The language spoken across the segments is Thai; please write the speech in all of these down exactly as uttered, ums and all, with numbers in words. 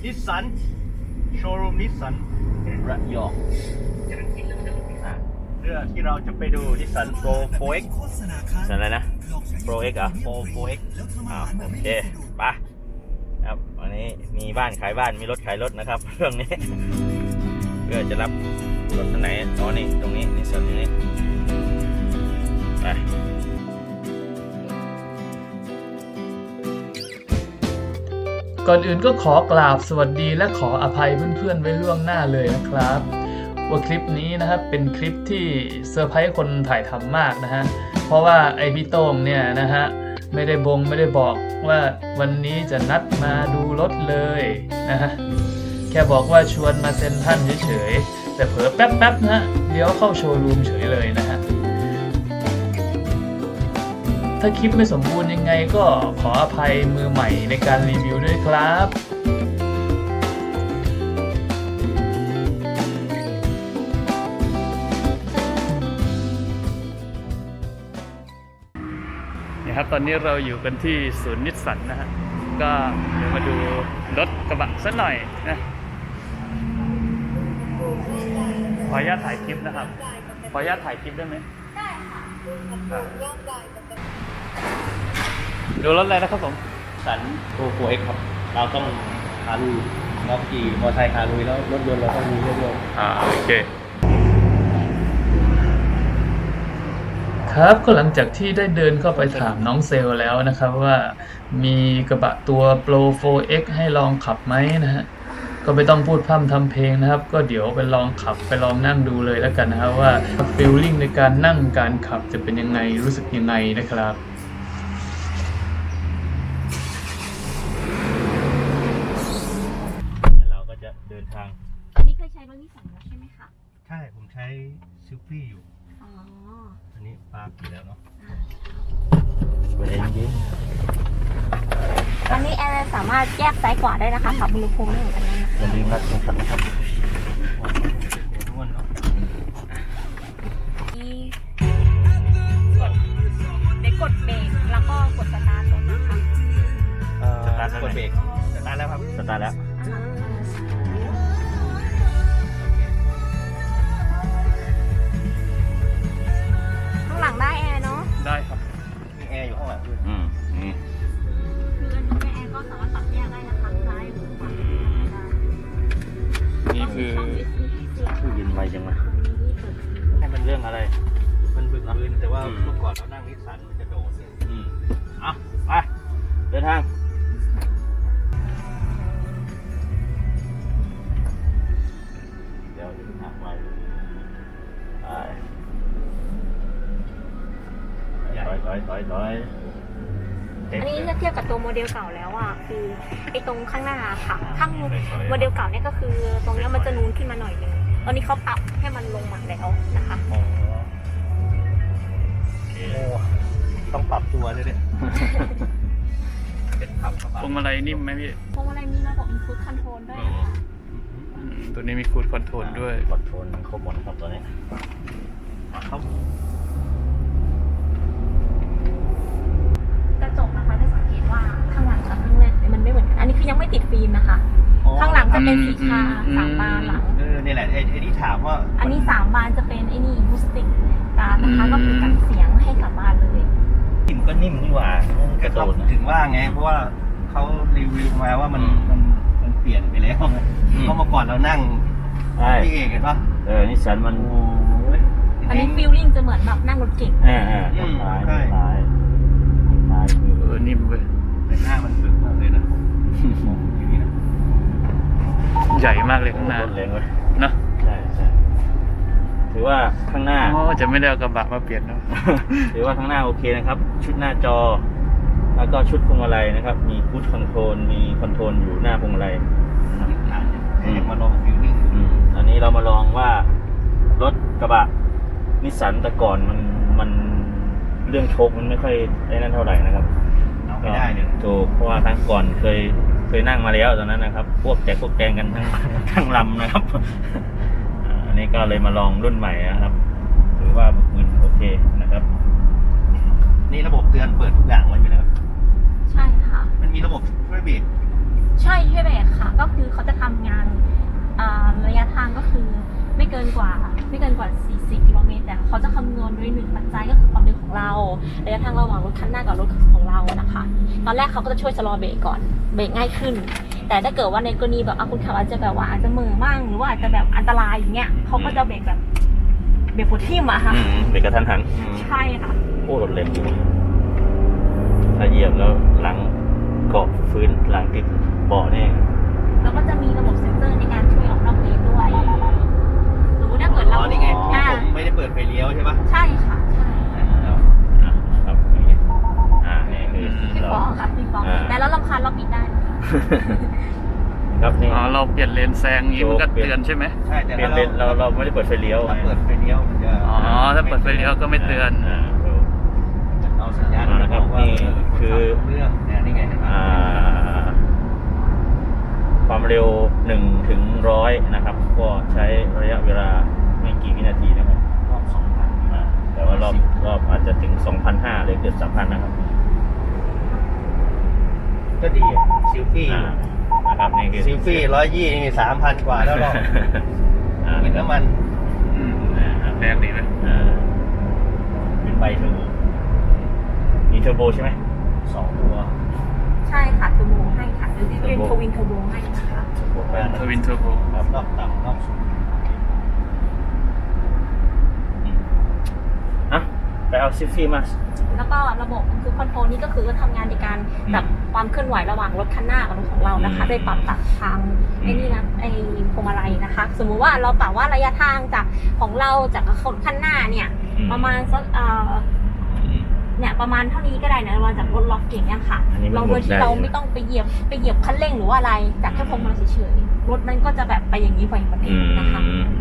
นิสสันโชว์รูมนิสสันระยองเรื่องที่เราจะไปดูนิสสันโปร โฟร์ เอ็กซ์ สันอะไรนะโปร เอ็กซ์ อ่ะโปร โฟร์ เอ็กซ์ อ่าโอเคไปครับวันนี้มีบ้านขายบ้านมีรถขายรถนะครับเรื่องนี้เพื่อจะรับรถคันไหนอ๋อนี่ตรงนี้นิสสันนี้ไปก่อนอื่นก็ขอกราบสวัสดีและขออภัยเพื่อนๆไว้ล่วงหน้าเลยนะครับว่าคลิปนี้นะครับเป็นคลิปที่เซอร์ไพรส์คนถ่ายทำมากนะฮะเพราะว่าไอพี่โต้งเนี่ยนะฮะไม่ได้บงไม่ได้บอกว่าวันนี้จะนัดมาดูรถเลยนะฮะแค่บอกว่าชวนมาเซ็นทรัลเฉยๆแต่เผลอแป๊บๆนะฮะเลี้ยวเข้าโชว์รูมเฉยเลยนะฮะถ้าคลิปไม่สมบูรณ์ยังไงก็ขออภัยมือใหม่ในการรีวิวด้วยครับนี่ครับตอนนี้เราอยู่กันที่ศูนย์นิสสันนะฮะก็เดี๋ยวมาดูรถกระบะสักหน่อยนะขออนุญาตถ่ายคลิปนะครับขออนุญาตถ่ายคลิปได้ไหมได้ค่ะดูรถอะไรนะครับผมสันโปร โฟร์ เอ็กซ์ ครับเราต้องคารุยเราขี่มอเตอร์ไซค์คารุยแล้วรถยนต์เราต้องมีเรื่อยๆอ่าโอเคครับก็หลังจากที่ได้เดินเข้าไปถามน้องเซลล์แล้วนะครับว่ามีกระบะตัว โปร โฟร์ เอ็กซ์ ให้ลองขับไหมนะฮะก็ไม่ต้องพูดพร่ำทำเพลงนะครับก็เดี๋ยวไปลองขับไปลองนั่งดูเลยแล้วกันนะครับว่าฟีลลิ่งในการนั่งการขับจะเป็นยังไงรู้สึกยังไงนะครับเราก็จะเดินทางอันนี้เคยใช้รถนิสสันแล้วใช่ไหมคะใช่ผมใช้ซิลฟี่อยู่อ๋ออันนี้ปาร์กอยู่แล้วเนาะเย็นเย็นอันนี้แอร์สามารถแยกซ้ายขวาได้นะคะปรับอุณหภูมิได้เหมือนกันนะอย่าลืมรัดตรงสันนะครับได้กดเบรกแล้วก็กดสตาร์ทรถนะคะสตาร์ทกดเบรกสตาร์ทแล้วครับสตาร์ทแล้วข้างหลังได้แอร์เนาะได้ครับมีแอร์อยู่ข้างหลังด้วยอืมนี่คืออันนี้แอร์ก็สามารถปรับแยกได้นะคะซ้ายหรือขวานี่คือชื่อเย็นไวจังวะให้มันเรื่องอะไรมันบึกอันอื่นแต่ว่าเมื่อก่อนเรานั่งนิสสันมันจะโดดอืมอ่ะไปเดินทางเดี๋ยวจะทางไปไปถอยถอยถอยถอยอันนี้จะเทียบกับตัวโมเดลเก่าแล้วอ่ะคือไอ้ตรงข้างหน้าค่ะข้างโมเดลเก่าเนี่ยก็คือตรงนี้มันจะนูนขึ้นมาหน่อยนึงตอนนี้เขาปรับให้มันลงมาแล้วนะคะต้องปรับตัวด้วยเนี่ยเป็นปรับพวงมาลัยนิ่มไหมพี่พวงมาลัยมีระบบอินพุตคอนโทรลด้วยตัวนี้มีคูดคอนโทรลด้วยคอนโทรลครบหมดครับตัวนี้ครับกระจกนะคะได้สังเกตว่าข้างหลังกับข้างหน้ามันไม่เหมือนกันอันนี้คือยังไม่ติดฟิล์มนะคะข้างหลังจะเป็นสีชาสามบานหลังเออนี่แหละไอ้ที่ถามว่าอันนี้สามบานจะเป็นไอ้นี่บูสติกการนะคะก็คือกันเสียงให้สามบานเลยนิ่มก็นิ่มนี่หว่ากระโดดถึงว่าไงเพราะว่าเขารีวิวมาว่ามันมันมันเปลี่ยนไปแล้วเพราะเมื่อก่อนเรานั่งพี่เอกเห็นปะเออนิสสันมันอันนี้ฟีลลิ่งจะเหมือนแบบนั่งรถเก่งอ่าอ่าใช่ใช่ใช่เออนิ่มเว้ยแต่หน้ามันบึกมากเลยนะมองอย่างนี้นะใหญ่มากเลยข้างหน้าแรงเว้ยนะใช่ใช่ถือว่าข้างหน้าอ๋อจะไม่ได้เอากระบะมาเปลี่ยนเนาะถือว่าข้างหน้าโอเคนะครับชุดหน้าจอแล้วก็ชุดพวงมาลัยนะครับมีคูดคอนโทรลมีคอนโทรลอยู่หน้าพวงมาลัยมาลองฟิลลิ่งอันนี้เรามาลองว่ารถกระบะนิสสันแต่ก่อนมันมันเรื่องโชคมันไม่ค่อยได้นั่นเท่าไหร่นะครับเอาไม่ได้เนี่ยถูกเพราะว่าครั้งก่อนเคยเคยนั่งมาแล้วตอนนั้นนะครับพวกแจกพวกแกงกันทั้งทั้งลำนะครับอันนี้ก็เลยมาลองรุ่นใหม่นะครับถือว่ามันโอเคนะครับนี่ระบบเตือนเปิดทุกอย่างไว้อยู่แล้วใช่ค่ะมันมีระบบช่วยเบรกใช่ช่วยเบรกค่ะก็คือเขาว่าสี่สิบกิโลเมตรแต่เขาจะคำนวณด้วยหนึ่งปัจจัยก็คือความเร็วของเราระยะทางระหว่างรถคันหน้ากับรถของเรานะคะตอนแรกเขาก็จะช่วยชะลอเบรกก่อนเบรกง่ายขึ้นแต่ถ้าเกิดว่าในกรณีแบบคุณขับอาจจะแบบว่าอาจจะเหม่อมั่งหรือว่าอาจจะแบบอันตรายอย่างเงี้ยเขาก็จะเบรกแบบเบรกปวดทิ่มอะค่ะอืมเบรกกระทันหันอืมใช่ค่ะโอ้รถเร็วอยู่ถ้าเหยียบแล้วหลังเกาะพื้นหลังติดเบาะนี่แล้วก็จะมีระบบเซ็นเซอร์ในการช่วยออกนอกเลนด้วยสมมติถ้าเกิดเราอ๋อนี่ไงที่อ่าผมไม่ได้เปิดไฟเลี้ยวใช่ปะใช่ค่ะใช่ครับอ่ะครับอ่านี่คือพี่เราฟองค่ะพี่ฟองอ่าแต่แล้วรำคาญเราปิดได้นะคะครับนี่อ๋อเราเปลี่ยนเลนแซงนี้มันก็เตือนใช่ไหมใช่แต่เปลี่ยนถ้าเลนเราเราไม่ได้เปิดไฟเลี้ยวถ้าไงเปิดไฟเลี้ยวมันจะอ๋อถ้าเปิดไฟเลี้ยวก็ไม่เตือนอ่าถูกเอาสัญญาณอ่านะครับว่านี่คือเรื่องเนี่ยนี่ไงเห็นไหมอ่าความเร็วหนึ่งถึงร้อยนะครับ ก็ใช้ระยะเวลาไม่กี่วินาทีนะครับรอบสองพันอ่าแต่ว่ารอบรอบอาจจะถึง สองพันห้าร้อย เลยเกือบ สามพัน นะครับก็ดีซิลฟี่อ่านะครับนี่คือซิลฟี่ร้อยยี่นี่สามพันกว่าแล้วหรอกอ่าเหมือนน้ำมันอืมนะครับแรงดีไหมอ่าเป็นใบเทอร์โบมีเทอร์โบใช่ไหมสองตัวใช่ค่ะเทอร์โบให้ค่ะหรือที่เป็นโทวินเทอร์โบให้นะคะเทอร์โบแปดทวินเทอร์โบครับรอบต่ำรอบสูงอ่ะไปเอาซิฟฟี่มาแล้วก็ระบบคือคอนโทรลนี่ก็คือทำงานในการจับความเคลื่อนไหวระหว่างรถคันหน้ากับรถของเรานะคะอืมโดยปรับตัดทางไอ้นี่นะไอ้พวงมาลัยนะคะ สมมุติว่าเราปรับว่าระยะทางจากของเราจากคนคันหน้าเนี่ยอืมประมาณสักเอ่ออืมเนี่ยประมาณเท่านี้ก็ได้นะเราจากรถล็อกเก่งเนี่ยค่ะอันนี้มันเราโดยที่หมุนได้เราไม่ต้องไปเหยียบไปเหยียบคันเร่งหรือว่าอะไรจากแค่พวงมาลัยเฉยๆรถมันก็จะแบบไปอย่างนี้ไปแบบอืนี้มนะคะ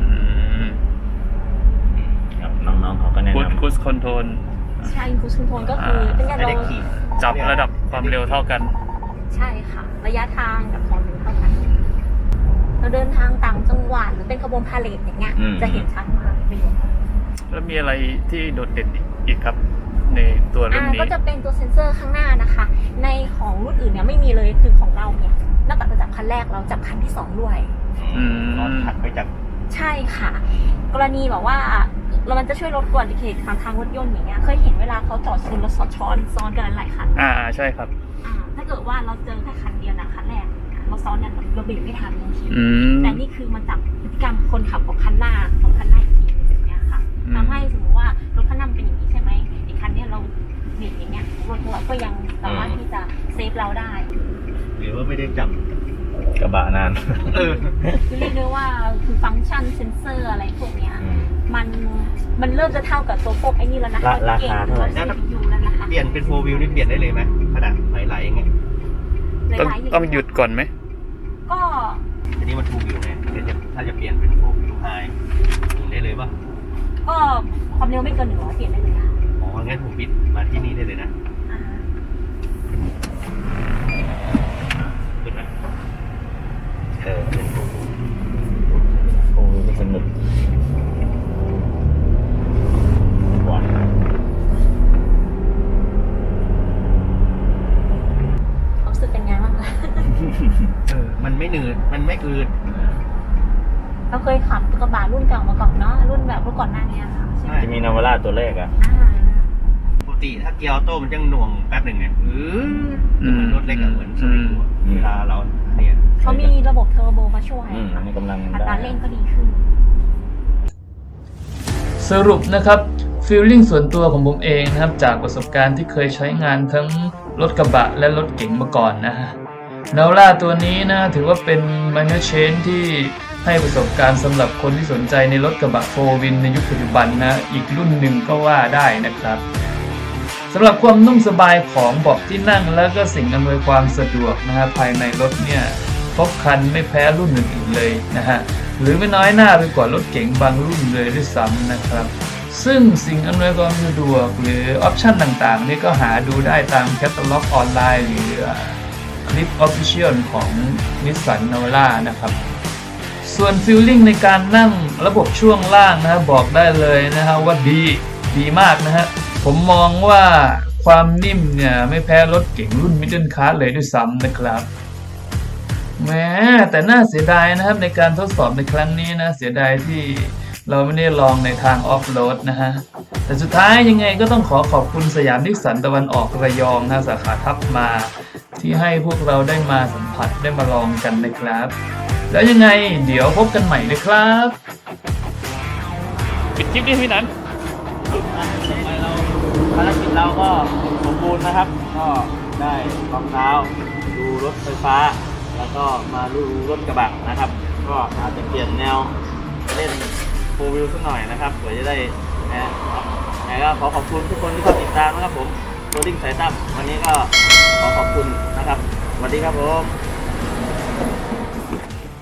ครับน้องๆเขาก็แนะคูดนำคูดคอนโทรลใช่คูสคอนโทรลก็คือเป็นการไม่เราได้ขี่จับระดับความเร็วเท่ากันใช่ค่ะ ระยะทางกับความเร็วเท่ากันเราเดินทางต่างจังหวัดหรือเป็นขบวนพาเหรดอย่างเงี้ยอืมจะเห็นชัดมากประโยชน์แล้วมีอะไรที่โดดเด่นอีกครับ ในตัวรุ่นอ่านี้ก็จะเป็นตัวเซ็นเซอร์ข้างหน้านะคะ ในของรุ่นอื่นเนี่ยไม่มีเลยคือของเราเนี่ยนอกจากจะจับคันแรกเราจับคันที่สองด้วยอืมตอนถัดไปจากใช่ค่ะ กรณีแบบว่าเรามันจะช่วยลดอุบัติเหตุทางทางรถยนต์อย่างเงี้ยเคยเห็นเวลาเขาจอดชนแล้วซ้อนซ้อนซ้อนกันหลายคันอ่าใช่ครับอ่าถ้าเกิดว่าเราเจอแค่คันเดียวนะคันแรกเราซ้อนเนี่ยเราเบรกไม่ทันบางทีอืมแต่นี่คือมันจับพฤติกรรมคนขับของคันหน้าของคันหน้าอีกทีอย่างเงี้ยค่ะอืมทำให้สมมติว่ารถคันหน้ามันเป็นอย่างนี้ใช่ไหมอีกคันเนี้ยเราเบรกอย่างเงี้ยรถเราก็ยังสามารถที่จะเซฟเราได้หรือว่าไม่ได้จับกระบะนานเออคือเรียกได้ว่าคือฟังก์ชันเซนเซอร์อะไรพวกเนี้ยอืมมันมันเริ่มจะเท่ากับตัวพวกไอ้นี่แล้วนะคะราคาเท่าไหร่ซีพียูแล้วนะคะเปลี่ยนเป็นโฟวิวนี่เปลี่ยนได้เลยไหมขนาดไหลๆอย่างเงี้ยต้องหลายๆอย่างต้องหยุดก่อนไหมก็อันนี้มันทูวิวไงเดี๋ยวจะถ้าจะเปลี่ยนเป็นโฟวิวไฮเปลี่ยนได้เลยป่ะก็ความเร็วไม่เกินหนึ่งร้อยเปลี่ยนได้เลยค่ะอ๋องั้นผมปิดมาที่นี่ได้เลยนะอ่าขึ้นไหมเออเป็นโฟวิวโอ้ยสนุกหวานความรู้สึกเป็นไงบ้างคะเออมันไม่หนืดมันไม่อืดเราเคยขับกระบะรุ่นเก่ามาก่อนเนาะรุ่นแบบรุ่นก่อนหน้านี้ค่ะใช่ไหมจะมีนาวาร่าตัวแรกอ่ะอ่าปกติถ้าเกียร์ออโต้มันจะหน่วงแป๊บหนึ่งไงเอออืมเหมือนรถเล็กอะเหมือนสวิงอะอืมเวลาเราเนี่ยเขามีระบบเทอร์โบมาช่วยอืมอันนี้กำลังอัตได้ราเร่งก็ดีขึ้นสรุปนะครับฟีลลิ่งส่วนตัวของผมเองนะครับจากประสบการณ์ที่เคยใช้งานทั้งรถกระบะและรถเก๋งมาก่อนนะฮะนาร่าตัวนี้นะถือว่าเป็น minor change ที่ให้ประสบการณ์สำหรับคนที่สนใจในรถกระบะโฟร์วินในยุคปัจจุบันนะอีกรุ่นหนึ่งก็ว่าได้นะครับสำหรับความนุ่มสบายของเบาะที่นั่งแล้วก็สิ่งอำนวยความสะดวกนะฮะภายในรถเนี่ยครบครันไม่แพ้รุ่นอื่นๆเลยนะฮะหรือไม่น้อยหน้าไปกว่ารถเก๋งบางรุ่นเลยด้วยซ้ำนะครับซึ่งสิ่งอำนวยความสะดวกหรือออปชันต่างๆนี่ก็หาดูได้ตามแคตตาล็อกออนไลน์หรือคลิป Official ของ Nissan Navara นะครับส่วนฟีลลิ่งในการนั่งระบบช่วงล่างนะบอกได้เลยนะฮะว่าดีดีมากนะฮะผมมองว่าความนิ่มเนี่ยไม่แพ้รถเก๋งรุ่น Middle Class เลยด้วยซ้ำนะครับแม้แต่น่าเสียดายนะครับในการทดสอบในครั้งนี้นะเสียดายที่เราไม่ได้ลองในทางออฟโรดนะฮะแต่สุดท้ายยังไงก็ต้องขอขอบคุณสยามนิสสันตะวันออกระยองนะสาขาทับมาที่ให้พวกเราได้มาสัมผัสได้มาลองกันนะครับแล้วยังไงเดี๋ยวพบกันใหม่นะครับปิดคลิปดิพี่นันเราภารกิจเราก็สมบูรณ์นะครับ ก็ได้รองเท้าดูรถไฟฟ้า แล้วก็มาดูรถกระบะนะครับ ก็อาจจะเปลี่ยนแนวเล่นโฟร์วิวสักหน่อยนะครับเผื่อจะได้นะไงก็ขอขอบคุณทุกคนที่เข้าติดตามนะครับผมโรดดิ้งสายตั้มวันนี้ก็ขอขอบคุณนะครับสวัสดีครับผม